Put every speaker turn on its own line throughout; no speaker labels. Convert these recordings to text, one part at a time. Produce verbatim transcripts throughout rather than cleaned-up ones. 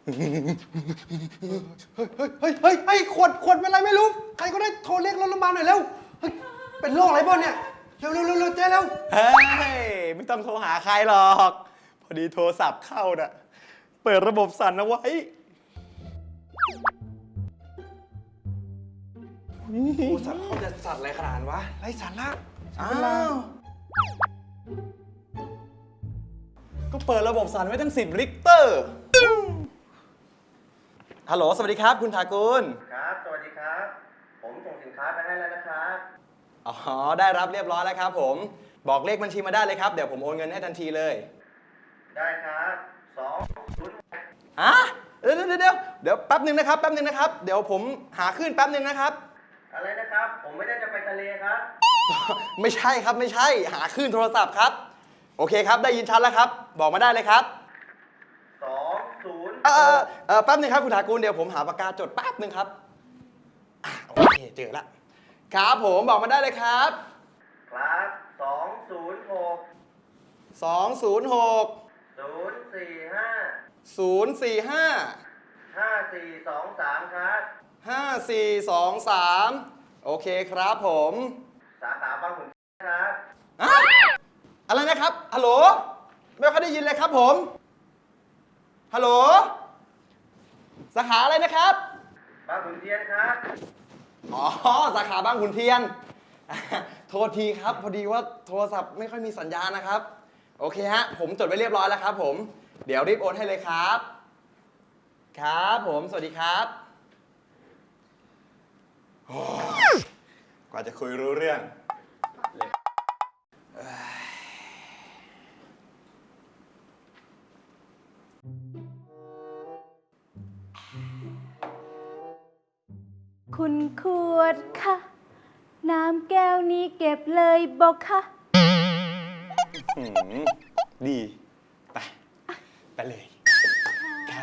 เฮ้ยเฮ้ยเฮ้ยขวดขวดเป็นไรไม่รู้ ใครก็ได้โทรเรียกรถโรงพยาบาลหน่อยเร็วเฮ้ยเป็นโรคอะไรบ้างเนี่ย เร็วเร็วเร็วเร็วเจ๊เร็ว
เฮ้ยไม่ต้องโทรหาใครหรอก พอดีโทรศัพท์เข้าน่ะ เปิดระบบสั่นเอาไว้
โอ้สัตว์เขาจะสัตว์อะไรขนาดวะไรสาระ
อ้าวก็เปิดระบบสั่นไว้ตั้งสิบลิกเตอร์ฮัลโหลสวัสดีครับคุณทากุล
ครับ สวัสดีครับ ผมส่งสินค้าไปให้แล้วนะครับ
อ๋อได้รับเรียบร้อยแล้วครับผมบอกเลขบัญชีมาได้เลยครับเดี๋ยวผมโอนเงินให้ทันทีเลย
ได้ครับสองศูนย์
อ่ะเดี๋ยวเดี๋ยวเดี๋ยวเดี๋ยวแป๊บหนึ่งนะครับแป๊บหนึ่งนะครับเดี๋ยวผมหาขึ้นแป๊บหนึ่งนะครับ
อะไรนะครับ ผมไม่ได้จะไปทะเลครับ
ไม่ใช่ครับไม่ใช่หาขึ้นโทรศัพท์ครับโอเคครับได้ยินชัดแล้วครับบอกมาได้เลยครับ
สองศูนย์
เออเออแป๊บหนึงครับคุณถากูลเดี๋ยวผมหาปากกาจดแป๊บหนึงครับอ่ะโอเคเจอละครับผมบอกมาได้เลยครับ
ครับสองศูนย์หก
สองศูนย์หก
ศูนย์สี่ห้า
ศูนย์สี่ห้า
ห้าสี่สองสามครับ
ห้าสี่สองสามโอเคครับผม
สาขาบางขุนครับ
อะอะไรนะครับฮัลโหลไม่ค่อยได้ยินเลยครับผม ฮัลโหลสาขาอะไรนะครับ
บางขุนเทียนครับ
อ๋อสาขาบางขุนเทียน โทษทีครับพอดีว่าโทรศัพท์ไม่ค่อยมีสัญญาณนะครับโอเคฮะผมจดไว้เรียบร้อยแล้วครับผมเดี๋ยวรีบโอนให้เลยครับ ครับผมสวัสดีครับโอ้กว่าจะคุยรู้เรื่องเลยเอ้ย
คุณขวดค่ะ น้ำแก้วนี้เก็บเลยบอกค่ะ
หืมดี ไป ไปเลย ครับ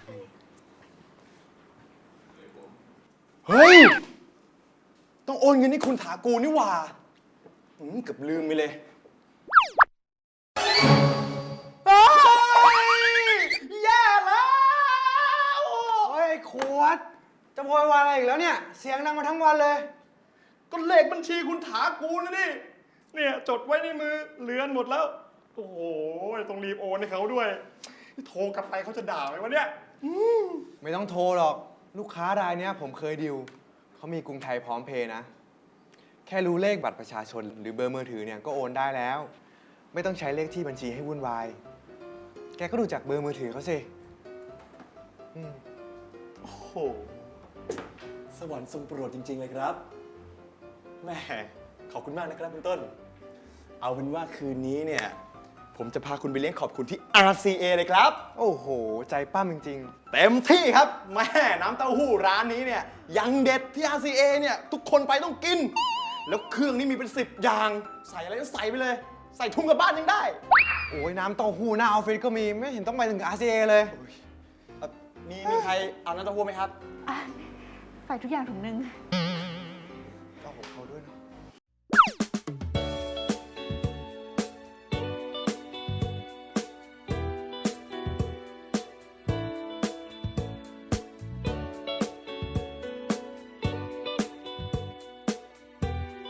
เฮ้ย ต้องโอนเงินให้คุณถากูนี่หว่าหืมเกือบลืมไปเลยเฮ้ยแย่แล้ว
เฮ้ยขวด จะโวยวายอะไรอีกแล้วเนี่ย เสียงดังมาทั้งวันเลย
ก็เลขบัญชีคุณถากูนะนี่ เนี่ยจดไว้ในมือเลือนหมดแล้ว โอ้โหต้องรีบโอนให้เขาด้วย โทรกลับไปเขาจะด่าไหมวะเนี่ย
ไม่ต้องโทรหรอก ลูกค้ารายเนี้ยผมเคยดิวเขามีกรุงไทยพร้อมเพย์นะ แค่รู้เลขบัตรประชาชนหรือเบอร์มือถือเนี่ยก็โอนได้แล้ว ไม่ต้องใช้เลขที่บัญชีให้วุ่นวาย แกก็ดูจากเบอร์มือถือเขาสิอืม
โอ้โห สวรรค์ทรงโปรดจริง ๆ เลยครับ แหม่ขอบคุณมากนะครับคุณต้น เอาเป็นว่าคืนนี้เนี่ย ผมจะพาคุณไปเลี้ยงขอบคุณที่ อาร์ ซี เอ เลยครับ
โอ้โห ใจปั้มจริง
เต็มที่ครับ แม่น้ำเต้าหู้ร้านนี้เนี่ยยังเด็ดที่ อาร์ ซี เอ เนี่ยทุกคนไปต้องกิน แล้วเครื่องนี้มีเป็นสิบอย่าง ใส่อะไรก็ใส่ไปเลย ใส่ทุ่งกลับบ้านยังได้
ๆ โอ้ยน้ำเต้าหู้หน้าออฟฟิศก็มี ไม่เห็นต้องไปถึง อาร์ ซี เอ เลย
เอ่อมีมีใครเอาน้ำเต้าหู้ไหมครับ
อ่ะใส่ทุกอย่างถุงหนึ่ง